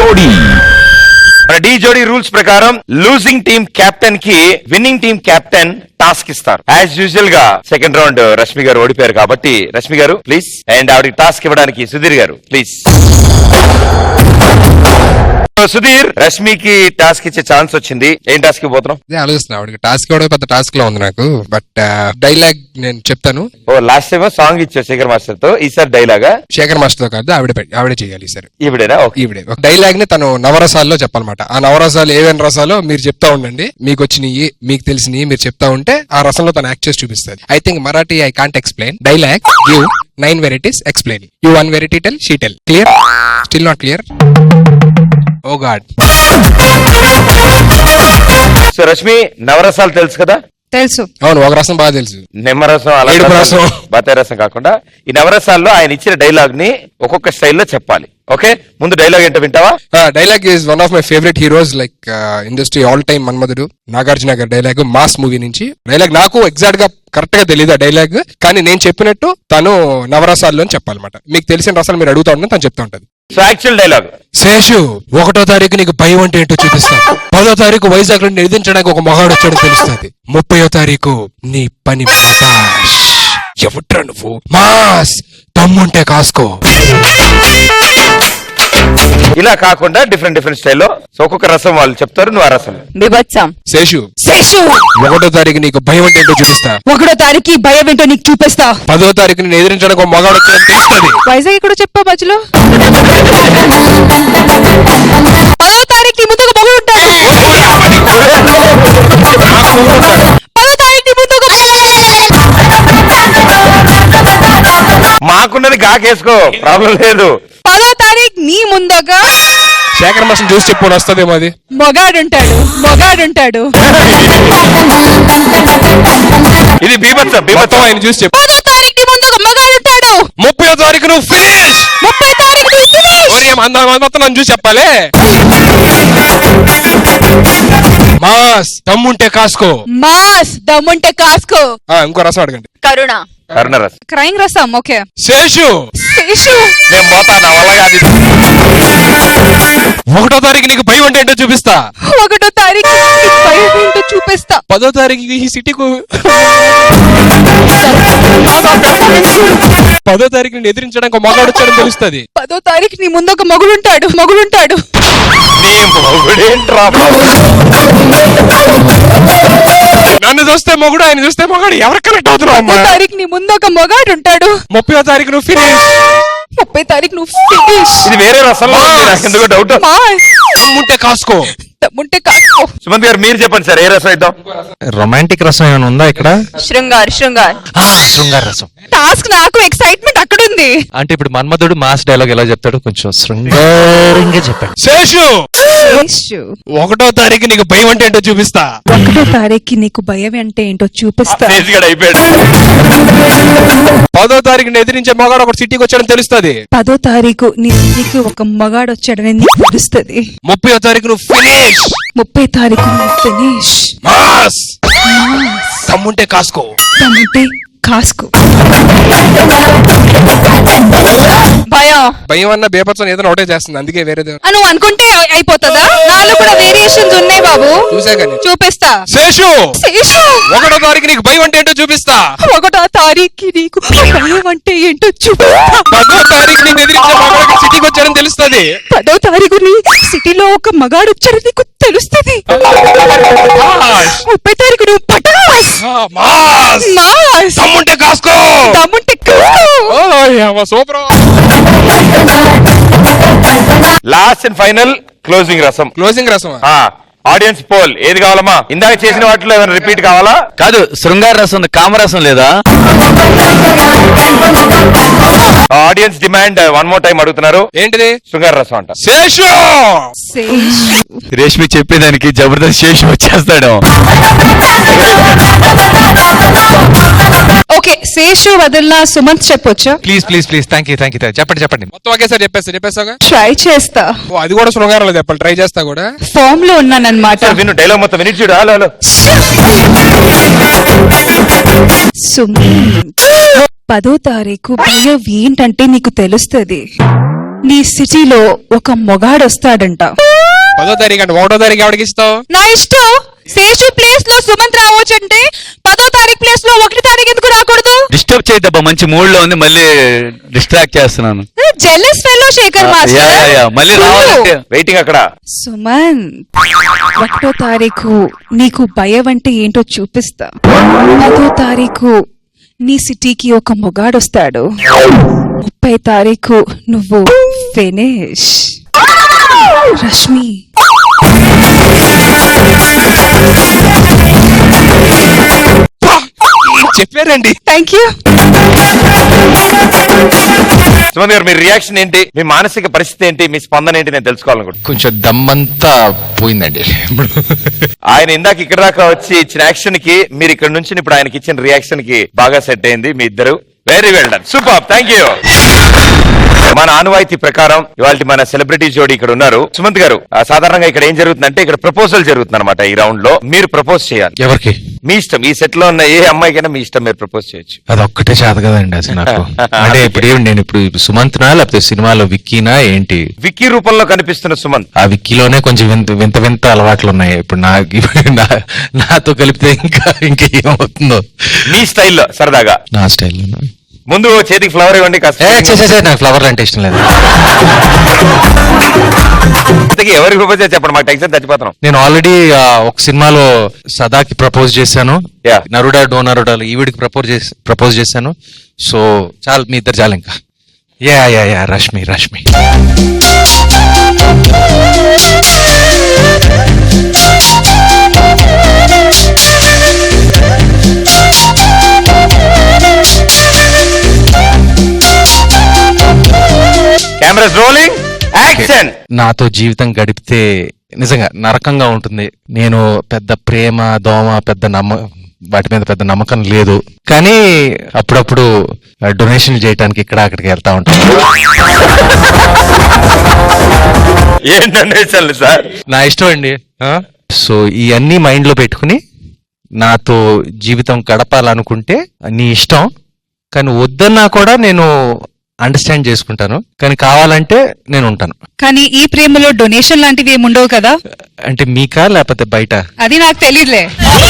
జోడీ. D Jodi rules ప్రకారం losing team captain కి విన్నింగ్ టీమ్ కెప్టెన్ టాస్క్ ఇస్తారు. యాజ్ యూజువల్ గా సెకండ్ రౌండ్ రష్మి గారు ఓడిపోయారు కాబట్టి రష్మి గారు ప్లీజ్, అండ్ ఆవిడకి టాస్క్ ఇవ్వడానికి సుధీర్ గారు ప్లీజ్. సుధీర్, రష్మికి టాస్క్ ఇచ్చే ఛాన్స్ వచ్చింది. ఏం టాస్క్ ఇవ్వబోతున్నాం? ఆలోచిస్తున్నా టాస్క్ కూడా పెద్ద టాస్క్ లో ఉంది నాకు, బట్ డైలాగ్ నేను చెప్తాను. ఓ లాస్ట్ టైం సాంగ్ ఇచ్చావు శేఖర్ మాస్టర్ తో, ఈసారి డైలాగా? శేఖర్ మాస్టర్ తో కాదు, ఆవిడే చేయాలి సార్. ఈవిడేనా? ఈవిడే ఒక డైలాగ్ ని తను నవరసాల్లో చెప్పాలన్నమాట. ఆ నవరసాలు ఏవైనా రసాలో మీరు చెప్తా ఉండండి, మీకు వచ్చినవి మీకు తెలిసినవి మీరు చెప్తా ఉంటే ఆ రసంలో తను యాక్ట్ చేసి చూపిస్తుంది. I think Marathi I can't explain. Dialogue you 9 varieties explain. You 1 variety tell, she tell. Clear? Still not clear? Oh God. So Rashmi, నవరసాలు తెలుసు కదా? తెలుసు. అవును, ఒక రసం బాగా తెలుసు. నిమ్మరసం, రసం, బత్తాయి రసం కాకుండా ఈ నవరసాల్లో ఆయన ఇచ్చిన డైలాగ్ ని ఒక్కొక్క స్టైల్లో చెప్పాలి. ఓకే, ముందు డైలాగ్ ఏంటో వింటావా? Dialogue is one of my favourite heroes like industry all time Manmadhudu Nagarjuna garu dialogue mass movie నుంచి. డైలాగ్ నాకు ఎగ్జాక్ట్ గా కరెక్ట్ గా తెలియదు ఆ డైలాగ్, కానీ నేను చెప్పినట్టు తను నవరసాల్లో చెప్పాలన్నమాట. మీకు తెలిసిన రసాలు మీరు అడుగుతా ఉంటే తను చెప్తా ఉంటది. సో యాక్చువల్ డైలాగ్: శేషు, 1వ తారీఖు నీకు భయం అంటే ఏంటో చూపిస్తాను. 10వ తారీఖు వైజాగ్ లో నిధించడానికి ఒక మగాడు వచ్చాడని తెలుస్తుంది. 30వ తారీఖు నీ పని ఎవట్రా నువ్వు మాస్ తమ్ముంటే కాసుకో. ఇలా కాకుండా డిఫరెంట్ డిఫరెంట్ స్టైల్లో ఒక్కొక్క రసం వాళ్ళు చెప్తారు, నువ్వు ఆ రసం. బిభత్సం. శేషు, 1వ తారీఖు నీకు భయం అంటే ఏంటో చూపిస్తా. 1వ తారీఖు భయం ఏంటో నీకు చూపిస్తా. 10వ తారీఖు నేను ఎదిరించడానికి ఒక మగాడు వచ్చాడని తెలుస్తుంది. వైజాగ్ ఇక్కడ చెప్పా మధ్యలో. 10వ తారీఖు ముందు ఒక మగ ఉంటాడు. 10వ తారీఖు ముందు మాకున్నది కాకేసుకో, ప్రాబ్లం లేదు. 10వ తారీఖు నీ ముందొక శేఖర్ మాస్టర్ చూసి చెప్పు, వస్తుందేమో అది. మొగాడుంటాడు. ఇది బీభత్సం. మొత్తం ఆయన చూసి చెప్పు. 10వ తారీఖు నీ ముందు ఒక మగాడుంటాడు. 30వ తారీఖు నువ్వు ఫినిష్. 30వ తారీఖు నువ్వు ఫినిష్. మొత్తం నన్ను చూసి చెప్పాలి. మాస్ దమ్ముంటే కాసుకో. మాస్ దమ్ముంటే కాసుకో. ఇంకో రసం అడగండి. కరుణ. కరుణ రసం. క్రైమ్ రసం. ఓకే. శేషు, నేను పోతా, నా వల్ల కాదు. 1వ తారీఖు నీకు భయం అంటే ఏంటో చూపిస్తా. 1వ తారీఖు భయం ఏంటో చూపిస్తా. 10వ తారీఖు ఈ సిటీకు 10వ తారీఖు నేను ఎదిరించడానికి ఒక మగాడు వచ్చాడని తెలుస్తుంది. 10వ తారీఖు నీ ముందు ఒక మగుడుంటాడు. నన్ను చూస్తే మొగుడు, ఆయన చూస్తే మొగాడు, ఎవరు కనెక్ట్ అవుతున్నావు? 10వ తారీఖు నీ ముందు ఒక మగాడు ఉంటాడు. 30వ తారీఖు నువ్వు ఫినిష్. 30వ తారీఖు నువ్వు ఫినిష్. ఇది వేరే రసంలో ఉంది, నాకు ఎందుకో డౌట్. దమ్ముంటే కాసుకో. సుమంత్ గారు మీరు చెప్పండి సార్, ఏ రసం ఇద్దాం? రొమాంటిక్ రసం ఏమైనా ఉందా ఇక్కడ? శృంగార్. శృంగార రసం. టాస్క్ నాకు ఎక్సైట్మెంట్ అక్కడ ఉంది. అంటే ఇప్పుడు మన్మధుడు మాస్ డైలాగ్ ఎలా చెప్తాడు, కొంచెం శృంగారంగా చెప్పండి. శేషు, 1వ తారీఖు నీకు భయం అంటే ఏంటో చూపిస్తా. 1వ తారీఖు నీకు భయం అంటే ఏంటో చూపిస్తా. అయిపోయాడు. 10వ తారీఖుని ఎదిరించే మగాడు ఒక సిటీకి వచ్చాడని తెలుస్తుంది. 10వ తారీఖు నీ సిటీకి ఒక మగాడు వచ్చాడని నీకు తెలుస్తుంది. 30వ తారీఖు నువ్వు ఫినిష్. 30వ తారీఖు నువ్వు ఫినిష్. మాస్ దమ్ముంటే కాసుకో. భయం అన్న బేపత్సం ఏదైనా ఒకటే చేస్తుంది, అందుకే వేరే నువ్వు అనుకుంటే అయిపోతుందా? నాలో కూడా వేరియేషన్స్ ఉన్నాయి బాబు. చూపిస్తా. శేషు, 1వ తారీఖు నీకు భయం అంటే ఏంటో చూపిస్తా. 1వ తారీఖు నీకు భయం అంటే ఏంటో చూపిస్తా. 10వ తారీఖు నేను ఎదిరించే మగాడు సిటీకి వచ్చాడని తెలుస్తుంది. 10వ తారీఖు నీ సిటీలో ఒక మగాడు వచ్చాడని నీకు తెలుస్తుంది. 30వ తారీఖు నువ్వు పటాస్. దమ్ముంటే కాసుకో. Super. Last and final closing రసం. ఆడియన్స్ పోల్ ఏది కావాలమ్మా? ఇందాక చేసిన వాటిలో ఏమైనా రిపీట్ కావాలా? కాదు, శృంగార రసం కామరసం లేదా? Audience demand one more time అడుగుతున్నారు. ఏంటిది? శృంగార రసం అంట. శేషు, రేష్మి చెప్పేదానికి జబర్దస్త్ శేషు వచ్చేస్తాడు. ఓకే, శేషు వదిలిన సుమంత్ చెప్పొచ్చా? Please please please. Thank you చెప్పండి. మొత్తం ఒకేసారి చెప్పేస్తా. ట్రై చేస్తా. అది కూడా శృంగారం చెప్పాలి, ట్రై చేస్తా కూడా. ఫామ్ లో ఉన్నానన్నమాట. విను డైలాగ్ మొత్తం విని చూడు. హలో సుమంత్, 10వ తారీఖు భయం ఏంటంటే నీకు తెలుస్తుంది. నీ సిటీలో ఒక మొగాడొస్తాడంట. 10వ తారీఖు అంటే 1వ తారీఖు ఎవరికి ఇస్తావు? నా ఇష్టం. శేషు ప్లేస్ లో సుమంత్ రావచ్చు అంటే 10వ తారీఖు ప్లేస్ లో 1వ తారీఖు ఎందుకు రాకూడదు? డిస్టర్బ్ చేయద్దబ్బా, మంచి మూడ్ లో ఉంది, మళ్ళీ డిస్ట్రాక్ట్ చేస్తున్నాను. Jealous fellow Sekhar master. మళ్ళీ రావాలంటే వెయిటింగ్ అక్కడ. సుమంత్, 1వ తారీఖు నీకు భయం అంటే ఏంటో చూపిస్తా. 10వ తారీఖు నీ సిటీకి ఒక మొగాడొస్తాడు. 30వ తారీఖు నువ్వు ఫినిష్. రష్మి, చెప్పారండి. Thank you. సుమంత్ గారు, మీ రియాక్షన్ ఏంటి? మీ మానసిక పరిస్థితి ఏంటి? మీ స్పందన ఏంటి? నేను తెలుసుకోవాలనుకుంటున్నాను. కొంచెం దమ్మంతా పోయిందండి. ఆయన ఇందాక ఇక్కడ దాకా వచ్చి ఇచ్చిన యాక్షన్ కి మీరు ఇక్కడ నుంచి ఇప్పుడు ఆయనకి ఇచ్చిన రియాక్షన్ కి బాగా సెట్ అయింది మీ ఇద్దరు. Very well done, super, thank you. మన ఆనవాయితీ ప్రకారం ఇవాళ మన సెలబ్రిటీ జోడీ ఇక్కడ ఉన్నారు. సుమంత్ గారు, సాధారణంగా ఇక్కడ ఏం జరుగుతుందంటే ఇక్కడ ప్రపోజల్ జరుగుతుంది అనమాట. ఈ రౌండ్ లో మీరు ప్రపోజ్ చేయాలి. ఎవరికి? మీ ఇష్టం. ఈ సెట్ లో ఉన్న ఏ అమ్మాయికైనా మీ ఇష్టం, మీరు ప్రపోజ్ చేయొచ్చు. అదొక్కటే చేత కదండి అసలు నాకు. అంటే నేను ఇప్పుడు సుమంత్నా లేకపోతే సినిమాలో విక్కీనా ఏంటి? విక్కీ రూపంలో కనిపిస్తున్న సుమంత్. ఆ విక్కీలోనే కొంచెం వింత అలవాట్లు ఉన్నాయి. ఇప్పుడు నాతో కలిపితే ఇంకా ఏమవుతుందో. మీ స్టైల్లో సరదాగా. నా స్టైల్లో. ముందు చేతికి ఫ్లవర్ ఇవ్వండి కాస్త. నాకు ఫ్లవర్లు అంటే ఇష్టం లేదు. ఎవరికి ప్రపోజ్ చేసి చెప్పండి, మాకు టెన్షన్ చచ్చిపోతున్నాం. నేను ఆల్రెడీ ఒక సినిమాలో సదాకి ప్రపోజ్ చేశాను. Yeah. నరుడా డోనరుడా ఈవిడికి ప్రపోజ్ చేశాను. సో చాలు, మీ ఇద్దరు చాలు ఇంకా. Yeah Rashmi. Cameras rolling, action. నాతో జీవితం గడిపితే నిజంగా నరకంగా ఉంటుంది. నేను పెద్ద ప్రేమ దోమ వాటి మీద పెద్ద నమ్మకం లేదు, కానీ అప్పుడప్పుడు డొనేషన్ చేయడానికి ఇక్కడ అక్కడికి వెళ్తా ఉంటాను. ఏం డొనేషన్లు సార్? నా ఇష్టం అండి. సో ఇవన్నీ మైండ్ లో పెట్టుకుని నాతో జీవితం గడపాలనుకుంటే నీ ఇష్టం, కానీ వద్దన్నా కూడా నేను అండర్స్టాండ్ చేసుకుంటాను, కానీ కావాలంటే నేను ఉంటాను. కానీ ఈ ప్రేమలో డొనేషన్ లాంటివి ఏమి ఉండవు కదా? అంటే మీకా లేకపోతే బయట? అది నాకు తెలియదులే.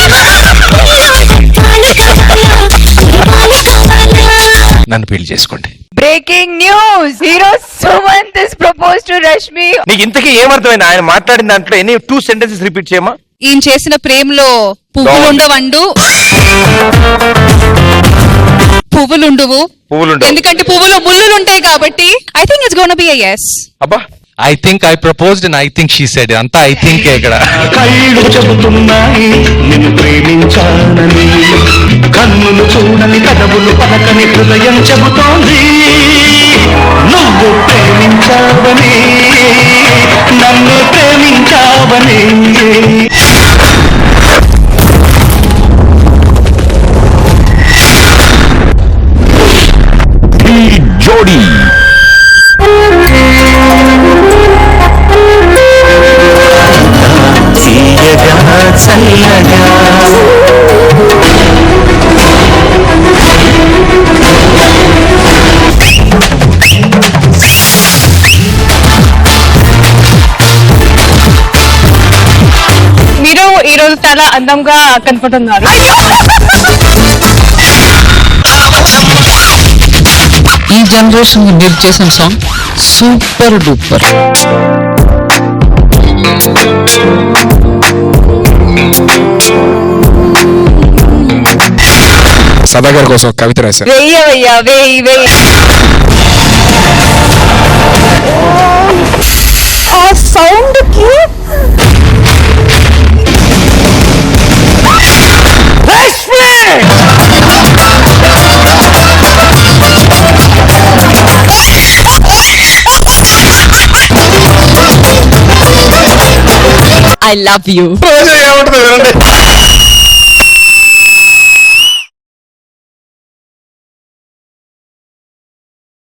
నన్ను పెళ్లి చేసుకోండి. Breaking news, hero Sumanth is propose to Rashmi. నీకు ఇంతకీ ఏమర్థమైంది ఆయన మాట్లాడిన దాంట్లో? ఎన్ని 2 sentences రిపీట్ చేయమా? ఈయన చేసిన ప్రేమలో పువ్వులుండవు, ఎందుకంటే పువ్వులో ముళ్ళులు ఉంటాయి కాబట్టి. I think it's gonna be a yes. అబ్బా, I think I proposed and I think she said. అంతా ఐ థింక్ ఇక్కడ. కళ్ళు చెబుతున్నాయి నిన్ను ప్రేమించానని, కన్నులు చూడని కదవులు పలకని హృదయం చెబుతోంది నువ్వు ప్రేమించావని, నన్ను ప్రేమించావని. జోడీ చల్లగా మీరు ఈ రోజు చాలా అందంగా కనపడుతున్నారు. ఈ జనరేషన్ మీరు చేసిన సాంగ్ సూపర్ డూపర్. సదాగర్ కోసం కవిత రాశారు. వెయ్యి ఆ సౌండ్ కి ఐ లవ్ యూ. ఏమంటుంది?